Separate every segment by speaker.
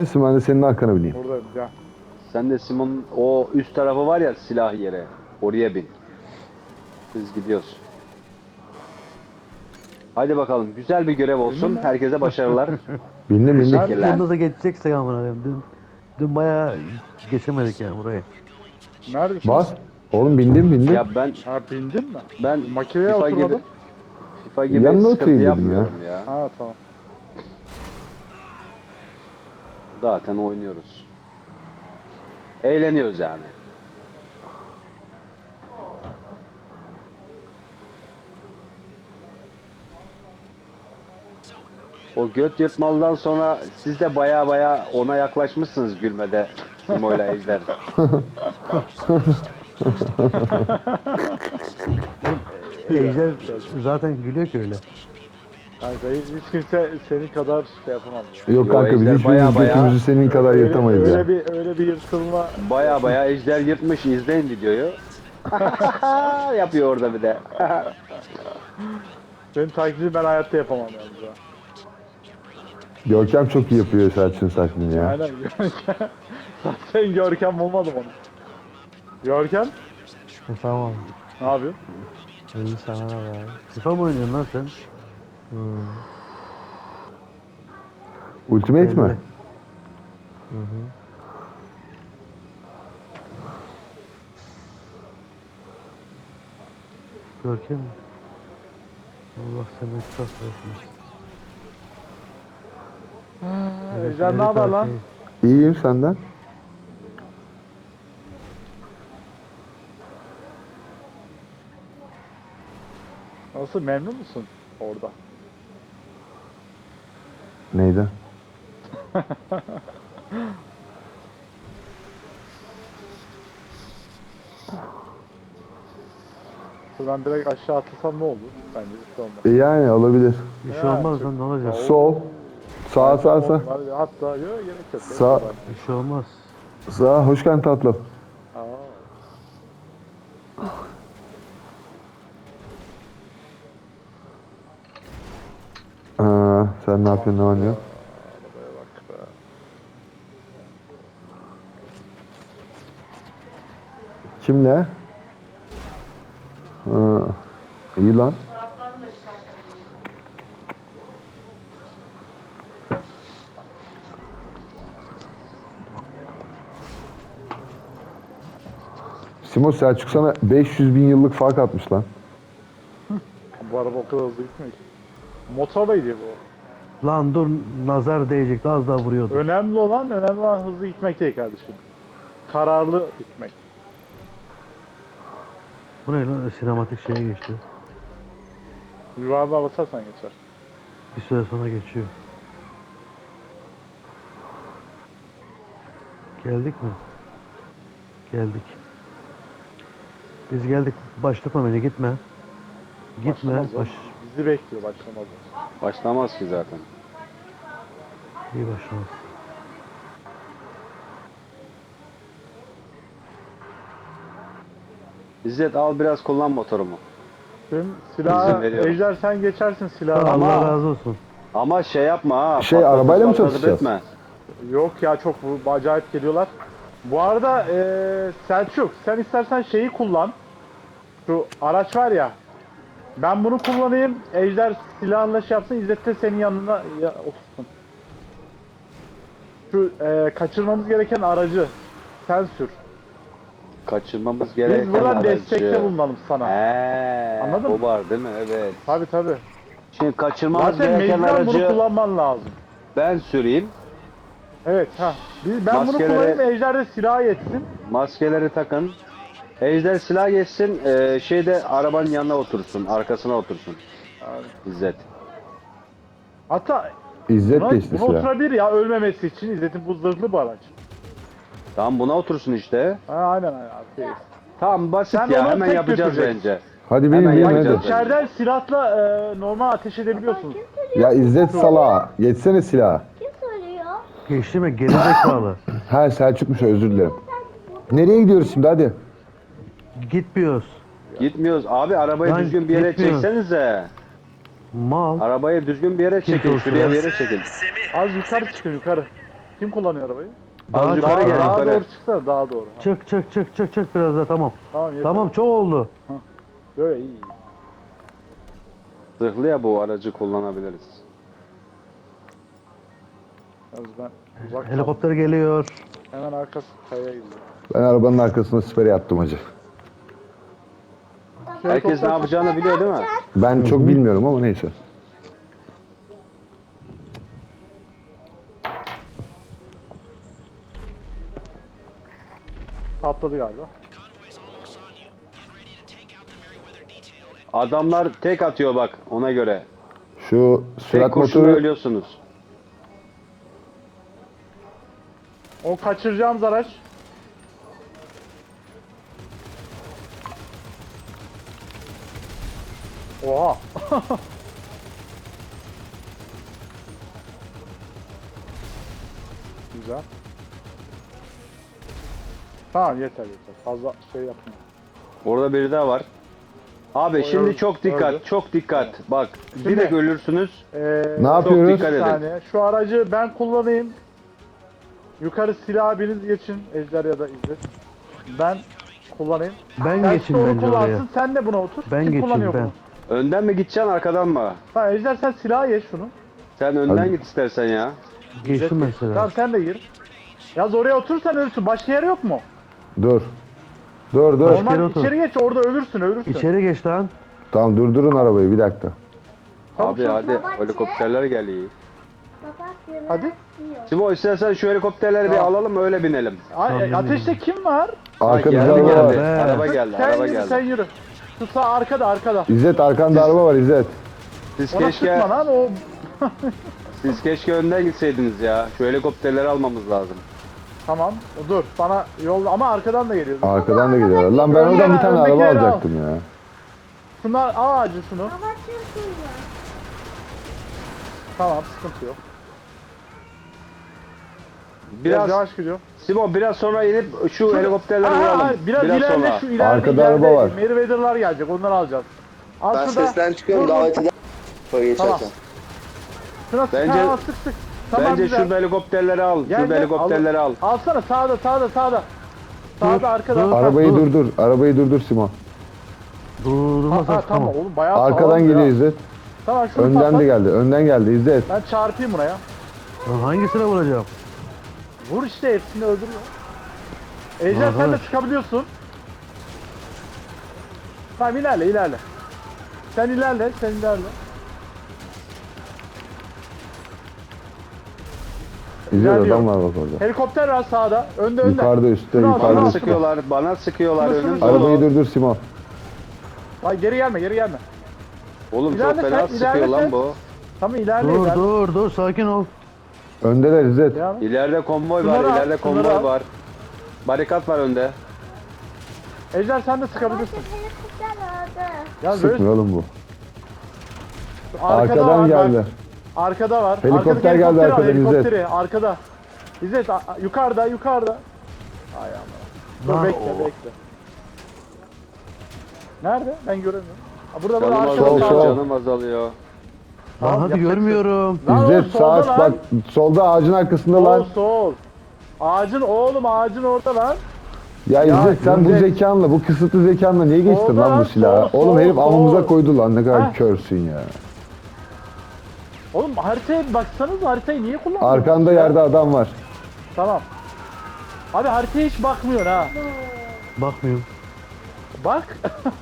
Speaker 1: Ben de senin arkana bineyim.
Speaker 2: Buradayım ya.
Speaker 3: Sen de Simon o üst tarafı var ya silah yere. Oraya bin. Biz gidiyoruz. Hadi bakalım. Güzel bir görev olsun. Herkese başarılar.
Speaker 1: Bindim.
Speaker 3: Teşekkürler.
Speaker 4: Bunda da geçeceksek amına koyayım. Dün bayağı geçemedik yani burayı.
Speaker 2: Neredesin?
Speaker 1: Bas. Oğlum bindim.
Speaker 3: Ya ben
Speaker 2: Bindin mi?
Speaker 3: ben
Speaker 2: Makineye
Speaker 3: FIFA gibi
Speaker 2: oturmadın.
Speaker 3: FIFA gibi
Speaker 1: Yanına
Speaker 3: sıkıntı
Speaker 1: oturayım dedim
Speaker 3: yapmıyorum ya.
Speaker 2: Ha tamam.
Speaker 3: Zaten oynuyoruz. Eğleniyoruz yani. O göt yırtmalıdan sonra siz de baya ona yaklaşmışsınız gülmede. Simo'yla Ejder.
Speaker 4: Ejder zaten gülüyor ki öyle.
Speaker 2: Kanka hiç kimse senin kadar şey yapamaz.
Speaker 1: Yok kanka biz
Speaker 3: Ejder
Speaker 1: hiçbirimiz
Speaker 3: baya-
Speaker 1: götümüzü senin kadar yırtamayız ya.
Speaker 2: Öyle bir yırtılma.
Speaker 3: Baya Ejder yırtmış. İzleyin videoyu. Yapıyor orada bir de.
Speaker 2: Senin taklidi ben hayatta yapamam yalnız ha.
Speaker 1: Görkem çok iyi yapıyor Selçuk'un taklidini ya.
Speaker 2: Aynen Görkem. Sen Görkem olmadım onu. Görkem
Speaker 4: Tamam.
Speaker 2: ne yapıyorsun?
Speaker 4: İyi sana ne var? FIFA mı oynuyorsun lan sen?
Speaker 1: Ultimate mi?
Speaker 4: Görkem mi? Allah seni çok versin.
Speaker 2: Ejder ne haber lan?
Speaker 1: İyiyim senden.
Speaker 2: Nasıl memnun musun orada?
Speaker 1: Neydi?
Speaker 2: Şuradan direkt aşağı atlasam ne olur? Bence bir şey olmaz.
Speaker 1: Yani olabilir.
Speaker 4: Bir şey
Speaker 2: Ya,
Speaker 4: olmaz
Speaker 2: çok-
Speaker 4: lan ne olacak?
Speaker 1: Sol. Sağ.
Speaker 2: Hatta yok gerek yok.
Speaker 1: Sağ.
Speaker 4: Bir şey olmaz.
Speaker 1: Sağ. Hoş geldin tatlım.
Speaker 2: Aa.
Speaker 1: Sen ne yapıyorsun, ne oynuyorsun?
Speaker 2: Arabaya bak be.
Speaker 1: Kimle? İyi lan. Simo Selçuk sana 500 bin yıllık fark atmış lan.
Speaker 2: Bu araba o kadar hızlı gitmiyor ki. Motorla gidiyor bu.
Speaker 4: Lan dur nazar değecekti az daha vuruyordu.
Speaker 2: Önemli olan hızlı gitmek değil kardeşim. Kararlı gitmek.
Speaker 4: Bu ne lan sinematik şeye geçti.
Speaker 2: Yuvarlığa basarsan geçer.
Speaker 4: Bir süre sonra geçiyor. Geldik mi? Geldik. Biz geldik. Başlatma beni gitme. Gitme.
Speaker 2: Başlamaz o. Bizi bekliyor başlamaz.
Speaker 3: Başlamaz ki zaten.
Speaker 4: İyi başlamaz.
Speaker 3: İzzet al biraz kullan motorumu.
Speaker 2: Şimdi
Speaker 3: İzin
Speaker 2: silahı,
Speaker 3: veriyorum.
Speaker 2: Ejder sen geçersin silahı.
Speaker 4: Allah
Speaker 3: Ama-
Speaker 4: razı olsun.
Speaker 3: Ama şey yapma ha.
Speaker 1: Arabayla mı
Speaker 3: patlatıp
Speaker 1: çalışacağız?
Speaker 3: etme.
Speaker 2: Yok ya çok acayip geliyorlar. Bu arada Selçuk sen istersen şeyi kullan. Şu araç var ya. Ben bunu kullanayım. Ejder silahla şey yapsın. İzzet de senin yanına otursun. Şu kaçırmamız gereken aracı sen sür.
Speaker 3: Kaçırmamız gereken
Speaker 2: Biz buradan
Speaker 3: aracı.
Speaker 2: destekte bulunalım sana.
Speaker 3: Anladın
Speaker 2: Anladın
Speaker 3: o var değil mi? Evet.
Speaker 2: Tabi.
Speaker 3: Şimdi kaçırmamız
Speaker 2: Zaten
Speaker 3: gereken
Speaker 2: mecburen bunu
Speaker 3: aracı
Speaker 2: kullanman lazım.
Speaker 3: ben süreyim.
Speaker 2: Evet ha. Ben bunu
Speaker 3: Maskeleri-
Speaker 2: kullanayım Ejder de silah yetsin.
Speaker 3: Maskeleri takın. Ejder silah geçsin. Şeyde arabanın yanına otursun. Arkasına otursun. İzzet.
Speaker 2: Hatta
Speaker 1: İzzet geçti
Speaker 2: buna
Speaker 1: silah.
Speaker 2: oturabilir ya ölmemesi için. İzzet'in bu zırhlı bir araç.
Speaker 3: Tamam buna otursun işte.
Speaker 2: Aynen. Okey.
Speaker 3: Tamam basit
Speaker 2: Sen
Speaker 3: ya.
Speaker 2: onu
Speaker 3: Hemen
Speaker 2: tek
Speaker 3: yapacağız
Speaker 2: götüreceksin.
Speaker 3: bence.
Speaker 1: Hadi
Speaker 3: Hemen
Speaker 1: benim
Speaker 3: yapacağız.
Speaker 1: hadi.
Speaker 2: İçeriden silahla normal ateş edebiliyorsunuz.
Speaker 1: Ya İzzet salağa. Geçsene silah.
Speaker 5: Kim söylüyor?
Speaker 4: Geçti mi? Gerizekalı.
Speaker 1: Ha Selçuk'muş, özür dilerim. Nereye gidiyoruz şimdi, hadi.
Speaker 4: Gitmiyoruz.
Speaker 3: Gitmiyoruz. Abi arabayı
Speaker 4: Lan
Speaker 3: düzgün bir yere
Speaker 4: gitmiyoruz.
Speaker 3: çeksenize.
Speaker 4: Mal.
Speaker 3: Arabayı düzgün bir yere çekin.
Speaker 4: olsun
Speaker 3: Şuraya
Speaker 4: ya?
Speaker 3: bir yere çekin.
Speaker 2: Az yukarı çıkın yukarı. Kim kullanıyor arabayı?
Speaker 4: Daha
Speaker 3: Az
Speaker 4: çok
Speaker 3: yukarı gel,
Speaker 4: daha.
Speaker 2: Daha
Speaker 3: yukarı.
Speaker 2: doğru çıksana, daha doğru. Ha,
Speaker 4: Çık biraz daha tamam.
Speaker 2: Tamam yeter.
Speaker 4: Tamam çok oldu.
Speaker 2: Böyle iyi.
Speaker 3: Zırhlı ya, bu aracı kullanabiliriz.
Speaker 2: Yalnız ben uzak
Speaker 4: Helikopter geliyor.
Speaker 2: kaldım. Hemen arkası kayaya gidiyor.
Speaker 1: Ben arabanın arkasına sipere yattım hacı.
Speaker 3: Herkes ne yapacağını biliyor değil mi?
Speaker 1: Ben çok bilmiyorum ama neyse.
Speaker 2: Patladı galiba.
Speaker 3: Adamlar tek atıyor bak, ona göre.
Speaker 1: Şu
Speaker 3: Tek
Speaker 1: sürat
Speaker 3: kurşunla
Speaker 1: motoru
Speaker 3: ölüyorsunuz.
Speaker 2: O kaçıracağımız araç. Oha. Güzel. Tamam yeter yeter. Fazla şey yapma.
Speaker 3: Orada biri daha var. Abi
Speaker 2: O
Speaker 3: şimdi
Speaker 2: öldü,
Speaker 3: çok dikkat,
Speaker 2: öldü.
Speaker 3: çok dikkat. Bak,
Speaker 2: Şimdi-
Speaker 3: direkt ölürsünüz.
Speaker 1: ne yapıyoruz?
Speaker 3: dikkat
Speaker 2: Bir
Speaker 3: edin.
Speaker 2: saniye. Şu aracı ben kullanayım. Yukarı silah biriniz geçin. Ejder ya da İzzet. Ben kullanayım.
Speaker 4: Ben
Speaker 2: Sen
Speaker 4: geçeyim
Speaker 2: onu
Speaker 4: bence
Speaker 2: kullansın.
Speaker 4: oraya.
Speaker 2: Sen de buna otur.
Speaker 4: Ben
Speaker 2: Kim
Speaker 4: geçeyim
Speaker 2: kullanıyor
Speaker 4: ben.
Speaker 2: bunu?
Speaker 3: Önden mi gideceksin, arkadan mı?
Speaker 2: Tamam Ejder sen silahı geç şunu.
Speaker 3: Sen önden
Speaker 1: Hadi.
Speaker 3: git istersen ya.
Speaker 4: Geçtim
Speaker 2: İzzet,
Speaker 4: mesela.
Speaker 2: Tamam sen de gir. Yaz oraya otursan ölürsün. Başka yer yok mu?
Speaker 1: Dur. Dur.
Speaker 2: Normal
Speaker 4: kere otur.
Speaker 2: içeri geç orada ölürsün.
Speaker 4: İçeri geç lan.
Speaker 1: Tamam durdurun arabayı bir dakika.
Speaker 2: Çabuk,
Speaker 3: Abi
Speaker 2: çabuk.
Speaker 3: hadi, helikopterler geliyor.
Speaker 2: Hadi.
Speaker 3: Simo, istersen şu helikopterleri bir
Speaker 2: Tamam.
Speaker 3: alalım, öyle binelim.
Speaker 2: Ay, ateşte kim var?
Speaker 1: Arkamızda
Speaker 3: geldi,
Speaker 1: araba var.
Speaker 3: geldi.
Speaker 4: Be.
Speaker 3: Araba geldi,
Speaker 2: sen
Speaker 3: araba
Speaker 2: yürü
Speaker 3: geldi.
Speaker 2: sen yürü. Şu sağ arkada.
Speaker 1: İzzet arkanda araba var İzzet.
Speaker 3: Siz
Speaker 2: Ona
Speaker 3: keşke,
Speaker 2: sıkma lan o.
Speaker 3: siz keşke önden gitseydiniz ya. Şu helikopterleri almamız lazım.
Speaker 2: Tamam dur bana yol ama arkadan da geliyor.
Speaker 1: Arkadan da geliyor. Lan ben oradan bir tane araba
Speaker 2: Öndekileri al.
Speaker 1: alacaktım ya.
Speaker 2: Şunlar al ağacı şunu. Tamam sıkıntı yok. Biraz
Speaker 3: Biraz,
Speaker 2: yavaş gidiyor.
Speaker 3: Simo biraz sonra inip şu helikopterleri
Speaker 2: Aa,
Speaker 3: vuralım.
Speaker 2: biraz ileride
Speaker 3: sonra.
Speaker 2: şu ileride.
Speaker 1: Arkada araba var.
Speaker 2: Meriwether'lar gelecek onları alacağız. Al
Speaker 5: Ben
Speaker 2: şurada.
Speaker 5: sesten çıkıyorum
Speaker 2: Dur, dur.
Speaker 5: davet eder. Sonra geçerken.
Speaker 2: Şuna sık
Speaker 3: Bence-
Speaker 2: ha, sık. Tamam
Speaker 3: Bence
Speaker 2: güzel.
Speaker 3: şurada helikopterleri al.
Speaker 2: Gel,
Speaker 3: Şurada
Speaker 2: gel,
Speaker 3: helikopterleri al.
Speaker 2: Alsana sağda. Sağda arkada.
Speaker 4: dur.
Speaker 1: Arabayı durdur. Arabayı durdur Simo.
Speaker 4: Durdurmasak
Speaker 2: Tamam
Speaker 4: tamam.
Speaker 2: oğlum bayağı
Speaker 1: Arkadan
Speaker 2: sağlam
Speaker 1: geliyor
Speaker 2: ya.
Speaker 1: İzzet.
Speaker 2: Tamam şunu
Speaker 1: Önden
Speaker 2: patlat.
Speaker 1: de geldi. Önden geldi İzzet.
Speaker 2: Ben çarpayım buraya.
Speaker 4: Lan hangisine vuracağım?
Speaker 2: Vur işte hepsini öldürüyor. Ejder sen de
Speaker 4: Arkadaş.
Speaker 2: çıkabiliyorsun. Tamam ilerle. Sen ilerle.
Speaker 1: İzzet
Speaker 2: İlerliyorum.
Speaker 1: adam var bak orada.
Speaker 2: Helikopter var sağda. Önde.
Speaker 1: Yukarıda üstte
Speaker 2: Şunu al,
Speaker 1: yukarıda
Speaker 2: şunu al.
Speaker 1: üstte.
Speaker 3: Bana sıkıyorlar
Speaker 2: Şunu,
Speaker 3: önüm
Speaker 2: şunu,
Speaker 1: Arabayı
Speaker 3: dolu.
Speaker 1: durdur Simo.
Speaker 2: Ay geri gelme.
Speaker 3: Oğlum çok
Speaker 2: İlerle
Speaker 3: fena
Speaker 2: sen,
Speaker 3: sıkıyor
Speaker 2: ilerle
Speaker 3: lan
Speaker 2: sen.
Speaker 3: bu.
Speaker 2: Tamam ilerle.
Speaker 4: Dur sakin ol.
Speaker 1: Öndeler İzzet.
Speaker 2: Devam et.
Speaker 3: İleride konvoy var,
Speaker 2: Şunları al,
Speaker 3: ileride
Speaker 2: şunları
Speaker 3: konvoy
Speaker 2: al.
Speaker 3: var. Barikat var önde.
Speaker 2: Ejder sen de sıkabilirsin. Ya böyle
Speaker 1: Sıkmıyor oğlum bu.
Speaker 2: arkada
Speaker 1: Arkadan
Speaker 2: var, bak.
Speaker 1: geldi.
Speaker 2: Arkada var.
Speaker 1: Helikopter
Speaker 2: Arkadaki
Speaker 1: geldi
Speaker 2: helikopteri al,
Speaker 1: arkadan, İzzet.
Speaker 2: helikopteri. Arkada. İzzet yukarıda. Ay aman. Dur
Speaker 4: Lan,
Speaker 2: bekle. Nerede? Ben göremiyorum. Burada
Speaker 3: Canım
Speaker 2: arkada
Speaker 1: sol,
Speaker 3: azalıyor,
Speaker 1: sol.
Speaker 3: canım azalıyor.
Speaker 2: Tamam,
Speaker 4: Lan hadi
Speaker 2: yapacak
Speaker 4: görmüyorum.
Speaker 2: Lan oğlum,
Speaker 1: İzzet
Speaker 2: solda
Speaker 1: sağ
Speaker 2: lan.
Speaker 1: bak solda ağacın arkasında lan.
Speaker 2: Sol. Ağacın orada lan.
Speaker 1: Ya İzzet sen bu
Speaker 2: İzzet.
Speaker 1: zekanla bu kısıtlı zekanla niye geçtin
Speaker 2: Solda
Speaker 1: lan
Speaker 2: lan,
Speaker 1: bu silahı?
Speaker 2: sol,
Speaker 1: Oğlum
Speaker 2: sol,
Speaker 1: herif
Speaker 2: sol.
Speaker 1: amımıza koydu lan ne kadar
Speaker 2: Heh.
Speaker 1: körsün ya.
Speaker 2: Oğlum haritaya bir baksanız haritayı niye kullanmıyorsun?
Speaker 1: Arkanda yerde adam var.
Speaker 2: Tamam. Abi haritaya hiç bakmıyorsun ha.
Speaker 4: Bakmıyorum.
Speaker 2: Bak.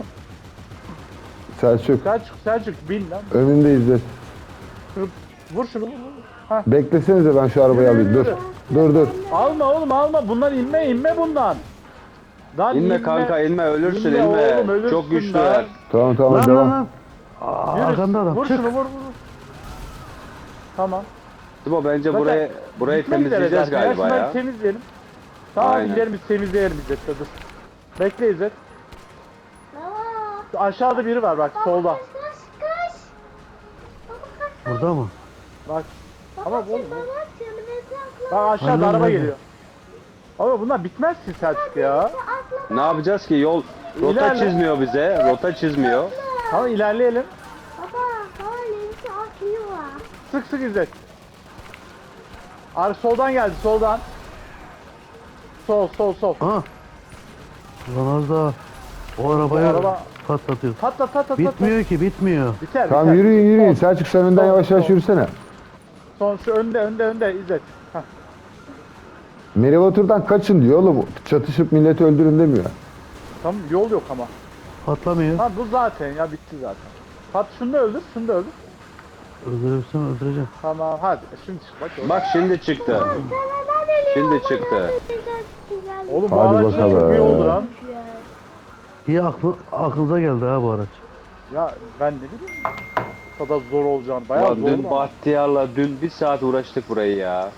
Speaker 1: Selçuk
Speaker 2: Selçuk bin lan.
Speaker 1: önünde İzzet.
Speaker 2: Vur şunu. Ha.
Speaker 1: Beklesenize ben şu arabayı alayım. Dur. Dur.
Speaker 2: Alma oğlum alma. Bundan inme bundan. Lan
Speaker 3: İnme kanka, inme, ölürsün,
Speaker 2: İnme
Speaker 3: inme.
Speaker 2: oğlum, ölürsün
Speaker 3: Çok
Speaker 2: lan.
Speaker 3: güçlüler.
Speaker 1: Tamam
Speaker 4: Lan
Speaker 1: devam.
Speaker 4: lan. Aa,
Speaker 2: Yürü,
Speaker 4: arkanda adam.
Speaker 2: Vur
Speaker 4: Çık.
Speaker 2: şunu vur. Tamam.
Speaker 3: Simo bence
Speaker 2: Zaten
Speaker 3: burayı
Speaker 2: gitmek üzere
Speaker 3: temizleyeceğiz
Speaker 2: zaten.
Speaker 3: galiba
Speaker 2: Şunları
Speaker 3: ya.
Speaker 2: temizleyelim. Tamam
Speaker 3: Aynen.
Speaker 2: gidelim biz temizleyelim İzzet. Dur. Bekle İzzet. Aşağıda biri var bak solda.
Speaker 4: Burada mı?
Speaker 2: Bak. Ama oğlum. Bak aşağıda
Speaker 4: Aynen,
Speaker 2: araba
Speaker 4: aynen.
Speaker 2: geliyor. Ama bunlar bitmez ki Selçuk ya.
Speaker 3: Ne yapacağız ki? Rota
Speaker 2: İlerle.
Speaker 3: çizmiyor bize. Rota çizmiyor.
Speaker 2: Tamam ilerleyelim.
Speaker 6: Baba, lensi atıyor.
Speaker 2: Sık İzzet. Soldan geldi soldan. Sol.
Speaker 4: Ha. Ulan az daha o arabayı
Speaker 2: araba-
Speaker 4: patlatıyor.
Speaker 2: Patlat.
Speaker 4: Bitmiyor ki bitmiyor.
Speaker 2: Biter.
Speaker 1: Tamam yürüyün. Selçuk sen önden
Speaker 2: Sol,
Speaker 1: yavaş yavaş
Speaker 2: sol.
Speaker 1: yürüsene.
Speaker 2: Son şu önde İzzet. Heh.
Speaker 1: Merivatur'dan kaçın diyor oğlum. Çatışıp milleti öldürün demiyor.
Speaker 2: Tamam yol yok ama.
Speaker 4: Patlamıyor.
Speaker 2: Ha bu zaten ya bitti zaten. Şunu da öldür.
Speaker 4: Öldürürsem öldüreceğim.
Speaker 2: Tamam hadi şimdi çık bak.
Speaker 3: Bak şimdi çıktı. Şimdi çıktı.
Speaker 2: Oğlum bu
Speaker 1: Hadi
Speaker 2: araç çok
Speaker 1: bakalım.
Speaker 2: iyi oldu lan.
Speaker 4: İyi aklınıza geldi ha bu araç.
Speaker 2: Ya ben ne bileyim. O kadar zor olacağını. Bayağı
Speaker 3: Ulan
Speaker 2: zor
Speaker 3: dün
Speaker 2: ama.
Speaker 3: Bahtiyar'la dün bir saat uğraştık burayı ya.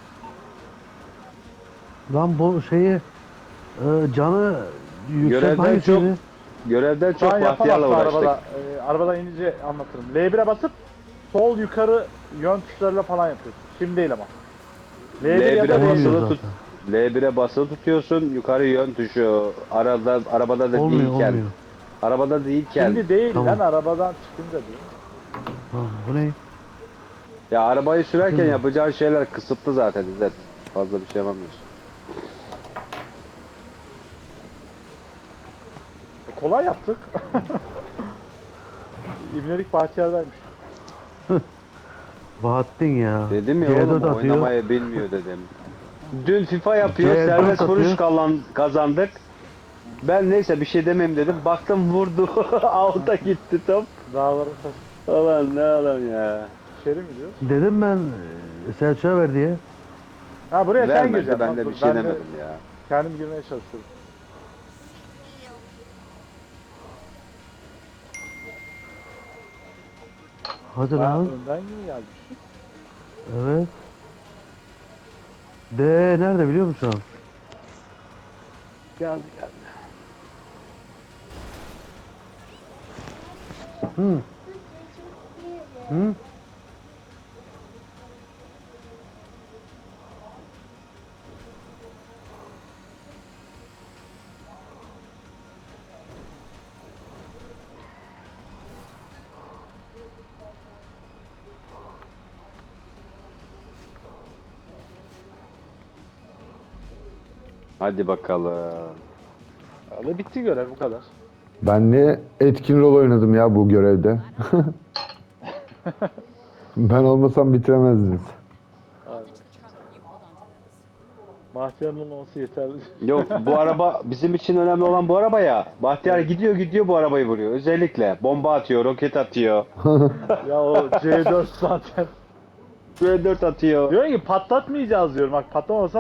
Speaker 4: Lan bu şeyi canı yüksek
Speaker 3: Görevden
Speaker 4: hangisiydi?
Speaker 3: Görevden
Speaker 2: Şu
Speaker 3: çok
Speaker 2: an
Speaker 3: Bahtiyar'la
Speaker 2: yapamazsın
Speaker 3: uğraştık.
Speaker 2: arabada. Arabadan inince anlatırım. L1'e basıp sol yukarı yön tuşlarıyla falan yapıyorsun. Şimdi değil ama. L1 ya da
Speaker 3: L1'e
Speaker 4: Olmuyor
Speaker 2: L1.
Speaker 3: basılı
Speaker 4: zaten.
Speaker 3: tut. L1'e basılı tutuyorsun. Yukarı yön tuşu. Arabada da
Speaker 4: Olmuyor
Speaker 3: değilken.
Speaker 4: olmuyor.
Speaker 3: Arabada değilken.
Speaker 2: Şimdi değil
Speaker 4: Tamam.
Speaker 2: lan arabadan çıkınca değil.
Speaker 4: Tamam, bu ne?
Speaker 3: Ya arabayı sürerken
Speaker 4: Şimdi.
Speaker 3: yapacağın şeyler kısıtlı zaten İzzet. Fazla bir şey yapamıyorsun.
Speaker 2: Kolay yaptık. İbnelik Bahtiyar'daymış.
Speaker 4: Bahattin ya.
Speaker 3: Dedim ya
Speaker 4: C4
Speaker 3: oğlum
Speaker 4: atıyor.
Speaker 3: oynamayı bilmiyor dedim. Dün FIFA yapıyor,
Speaker 4: C4
Speaker 3: serbest vuruş
Speaker 4: atıyor.
Speaker 3: kazandık. Ben neyse bir şey demeyeyim dedim. Baktım vurdu. Out'a gitti top.
Speaker 2: Dağların taşı.
Speaker 3: Ulan ne adam ya.
Speaker 2: İçeri mi diyor?
Speaker 4: Dedim ben Selçuk'a ver diye.
Speaker 2: Ha buraya sen
Speaker 3: Vermedi
Speaker 2: gireceksin.
Speaker 3: ben de
Speaker 2: Dur,
Speaker 3: bir şey demedim ya.
Speaker 2: Kendim girmeye çalışıyorum.
Speaker 4: Hadi
Speaker 2: Ha,
Speaker 4: lan.
Speaker 2: önden gibi gelmiş.
Speaker 4: Evet. D nerede biliyor musun?
Speaker 2: Geldi.
Speaker 4: Hı. Hı?
Speaker 3: Hadi bakalım.
Speaker 2: Ve bitti görev bu kadar.
Speaker 1: Ben ne etkin rol oynadım ya bu görevde. Ben olmasam bitiremezdiniz.
Speaker 2: Bahtiyar'ın olması yeterli.
Speaker 3: Yok bu araba bizim için önemli olan bu araba ya. Bahtiyar gidiyor bu arabayı vuruyor. Özellikle bomba atıyor, roket atıyor.
Speaker 2: Ya o C4 zaten.
Speaker 3: C4 atıyor.
Speaker 2: Diyor ki patlatmayacağız diyorum. Bak patlamasa